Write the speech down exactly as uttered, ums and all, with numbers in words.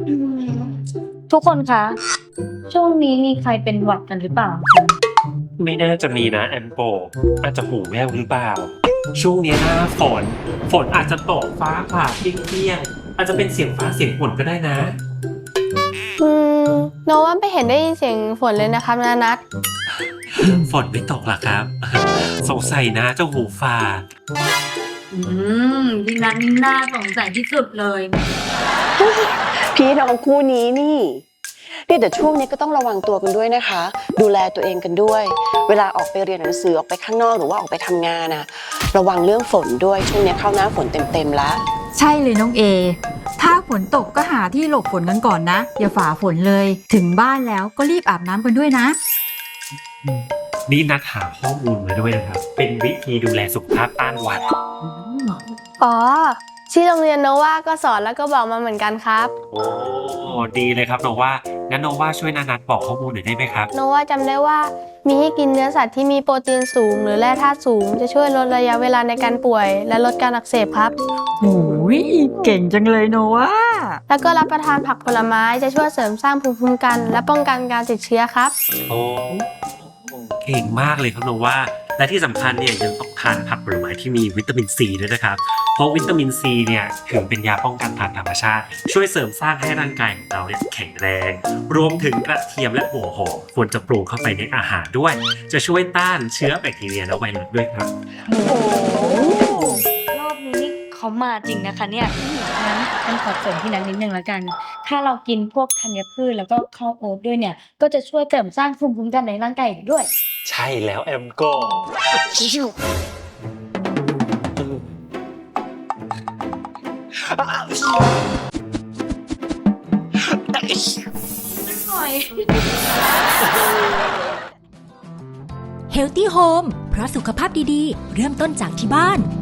อืมทุกคนคะช่วงนี้มีใครเป็นหวัดกันหรือเปล่าไม่น่าจะมีนะแอมโปอาจจะหูแว่วหรือเปล่าช่วงนี้หน้าฝนฝนอาจจะตกฟ้าผ่าเปรี้ยงๆอาจจะเป็นเสียงฟ้าเสียงฝนก็ได้นะอืมโนว่าไม่เห็นได้ยินเสียงฝนเลยนะครับนานัทฝนไม่ตกหรอครับ สงสัยนะเจ้าหูฝาดอืมพี่นัทนี่น่าสงสัยที่สุดเลยพี่น้องคู่นี้นี่เนี่ยแต่ช่วงนี้ก็ต้องระวังตัวกันด้วยนะคะ ดูแลตัวเองกันด้วย เวลาออกไปเรียนหนังสือออกไปข้างนอกหรือว่าออกไปทำงานนะระวังเรื่องฝนด้วยช่วงนี้เข้าหน้าฝนเต็มๆแล้วใช่เลยน้องเอถ้าฝนตกก็หาที่หลบฝนกันก่อนนะอย่าฝ่าฝนเลยถึงบ้านแล้วก็รีบอาบน้ำกันด้วยนะนี่นัดหาข้อมูลมาด้วยนะครับ เป็นวิธีดูแลสุขภาพต้านหวัดอ๋อที่โรงเรียนโนว่าก็สอนแล้วก็บอกมาเหมือนกันครับโอ้ดีเลยครับโนว่างั้นโนว่าช่วยนานัดบอกข้อมูลหน่อยได้ไหมครับโนว่าจำได้ว่ามีให้กินเนื้อสัตว์ที่มีโปรตีนสูงหรือแร่ธาตุสูงจะช่วยลดระยะเวลาในการป่วยและลดการอักเสบครับโอ้ยเก่งจังเลยโนวาแล้วก็รับประทานผักผลไม้จะช่วยเสริมสร้างภูมิคุ้มกันและป้องกันการติดเชื้อครับโอ้เก่งมากเลยครับโนว่าและที่สำคัญเนี่ยยังต้องทานผักผลไม้ที่มีวิตามินซีด้วยนะครับเพราะวิตามินซีเนี่ยถือเป็นยาป้องกันทางธรรมชาติช่วยเสริมสร้างให้ร่างกายของเราเนี่ยแข็งแรงรวมถึงกระเทียมและหัวหอมควรจะปรุงเข้าไปในอาหารด้วย จะช่วยต้านเชื้อแบคทีเรียและไวรัสด้วยครับโอ้รอบนี้นี่เขามาจริงนะคะเนี่ยงั้นฉันขอเสริมพี่นัทนิดนึงแล้วกัน ถ้าเรากินพวกธัญพืชแล้วก็ข้าวโอ๊ตด้วยเนี่ยก็จะช่วยเสริมสร้างภูมิคุ้มกันในร่างกายอีกด้วยใช่แล้วแอมโก Healthy Home เพราะสุขภาพดีๆ เริ่มต้นจากที่บ้าน